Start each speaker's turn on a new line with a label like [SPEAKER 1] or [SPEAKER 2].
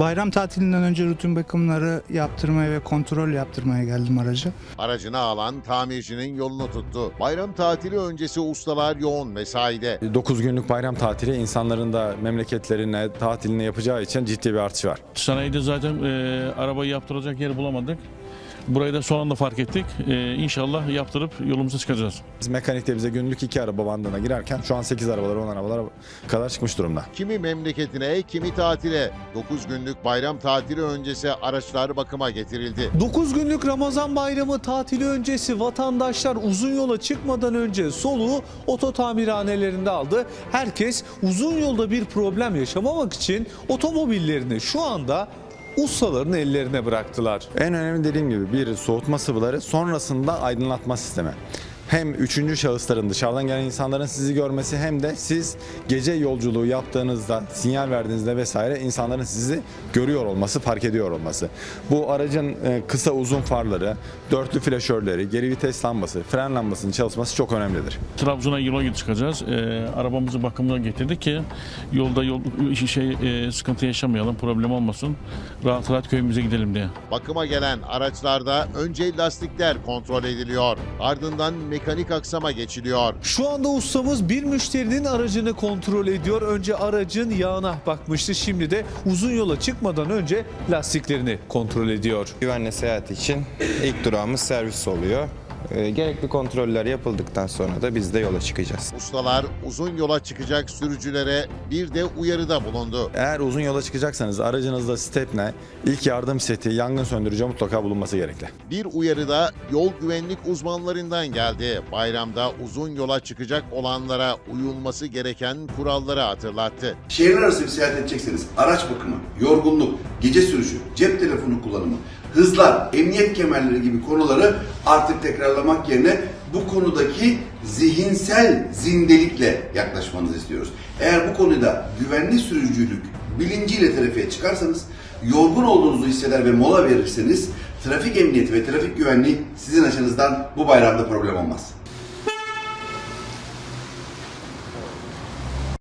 [SPEAKER 1] Bayram tatilinden önce rutin bakımları yaptırmaya ve kontrol yaptırmaya geldim araca.
[SPEAKER 2] Aracını alan tamircinin yolunu tuttu. Bayram tatili öncesi ustalar yoğun mesaide.
[SPEAKER 3] 9 günlük bayram tatili insanların da memleketlerine, tatiline yapacağı için ciddi bir artış var.
[SPEAKER 4] Sanayide zaten arabayı yaptıracak yer bulamadık. Burayı da son anda fark ettik. İnşallah yaptırıp yolumuza çıkacağız.
[SPEAKER 3] Biz mekanikte bize günlük 2 araba bandına girerken şu an 8 arabalar, 10 arabalar kadar çıkmış durumda.
[SPEAKER 2] Kimi memleketine, kimi tatile. 9 günlük bayram tatili öncesi araçlar bakıma getirildi.
[SPEAKER 5] 9 günlük Ramazan bayramı tatili öncesi vatandaşlar uzun yola çıkmadan önce soluğu oto tamirhanelerinde aldı. Herkes uzun yolda bir problem yaşamamak için otomobillerini şu anda ustaların ellerine bıraktılar.
[SPEAKER 3] En önemli dediğim gibi bir soğutma sıvıları, sonrasında aydınlatma sistemi. Hem üçüncü şahısların, dışarıdan gelen insanların sizi görmesi, hem de siz gece yolculuğu yaptığınızda, sinyal verdiğinizde vesaire insanların sizi görüyor olması, fark ediyor olması. Bu aracın kısa uzun farları, dörtlü flaşörleri, geri vites lambası, fren lambasının çalışması çok önemlidir.
[SPEAKER 4] Trabzon'a yola çıkacağız. Arabamızı bakımına getirdik ki yolda sıkıntı yaşamayalım, problem olmasın. Rahat rahat köyümüze gidelim diye.
[SPEAKER 2] Bakıma gelen araçlarda önce lastikler kontrol ediliyor. Ardından mekanik aksama geçiliyor.
[SPEAKER 5] Şu anda ustamız bir müşterinin aracını kontrol ediyor. Önce aracın yağına bakmıştı. Şimdi de uzun yola çıkmadan önce lastiklerini kontrol ediyor.
[SPEAKER 6] Güvenli seyahat için ilk durağımız servis oluyor. Gerekli kontroller yapıldıktan sonra da biz de yola çıkacağız.
[SPEAKER 2] Ustalar uzun yola çıkacak sürücülere bir de uyarıda bulundu.
[SPEAKER 3] Eğer uzun yola çıkacaksanız aracınızda stepne, ilk yardım seti, yangın söndürücü mutlaka bulunması gerekli.
[SPEAKER 2] Bir uyarı da yol güvenlik uzmanlarından geldi. Bayramda uzun yola çıkacak olanlara uyulması gereken kuralları hatırlattı.
[SPEAKER 7] Şehirler arası bir seyahat edecekseniz araç bakımı, yorgunluk, gece sürüşü, cep telefonu kullanımı, hızlar, emniyet kemerleri gibi konuları artık tekrarlamak yerine bu konudaki zihinsel zindelikle yaklaşmanızı istiyoruz. Eğer bu konuda güvenli sürücülük bilinciyle trafiğe çıkarsanız, yorgun olduğunuzu hisseder ve mola verirseniz trafik emniyeti ve trafik güvenliği sizin açınızdan bu bayramda problem olmaz.